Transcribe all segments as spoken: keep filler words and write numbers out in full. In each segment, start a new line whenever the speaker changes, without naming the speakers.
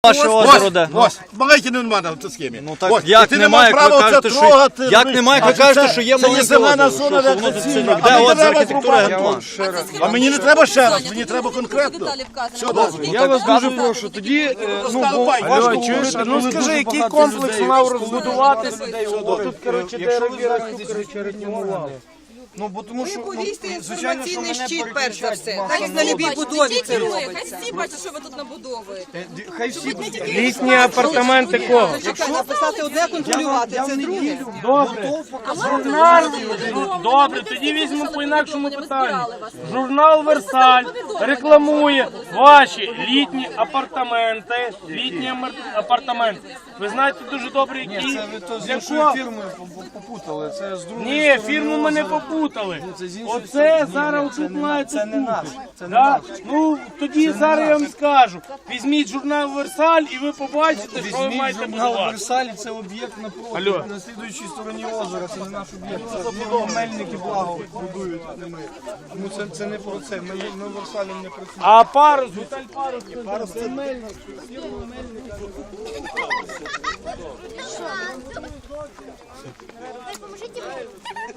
Ваше озеро де?
Ось, маленьке не в мене в цій схемі.
Ну так як немає, як ви кажете, що... Як немає, як ви кажете, що є маленьке
зелена
озеро?
зона,
Що
де
воно тут
красиво.
сильно?
А
Де
мені
от з
треба
архітектури
зрубати.
генплан?
А мені не треба ще раз, мені треба конкретно. Все добре.
Я вас дуже прошу, тоді, е, ну, бо важко говорити, ну скажи, який комплекс мав розбудуватися, тут, коротше, де Равіра, коротше, ретінували. Ну, бо тому що, ну,
Повісти
звичайно, що
інформаційний
мене
щит, перш за все.
переключають
Так як на любій будові це
Хай
робиться.
всі бачать, що ви тут набудовуєте.
Хай всі будуть.
Літні апартаменти кого?
Чекай, написати одне, контролювати, це друге.
Добре. Журнал. Добре, тоді візьмемо по інакшому питанню. Журнал Версаль рекламує ваші літні апартаменти. Літні амар- апартаменти. Ви знаєте дуже добре, які.
Це ви то з
Для
іншою
кого?
фірмою попутали, це з другої
Ні,
сторони
фірму ми не
озера.
попутали.
Це з іншої
Оце
сторони.
зараз
Ні,
тут
це не-
маєте
це не наш, це не
Да?
наш.
Ну тоді зараз я вам скажу. Візьміть журнал Версаль і ви побачите, що ви
Візьміть
маєте
журнал
будувати.
Версаль, це об'єкт напроти,
Алло.
на слідуючій стороні озера, це не наш об'єкт, це фірма Мельники Благо будують, а не ми. Тому це, це не про це, ми, ми Версалем не працюємо.
А парус, готель парус, парус це Мельник.
Поможите мне.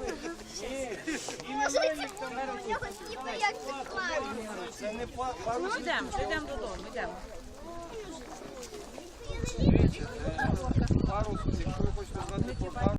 Поможите мне. Я хочу не бояться класть.
Йдемо, йдемо додому, йдемо.
Парус, якщо ви хочете знати про парус,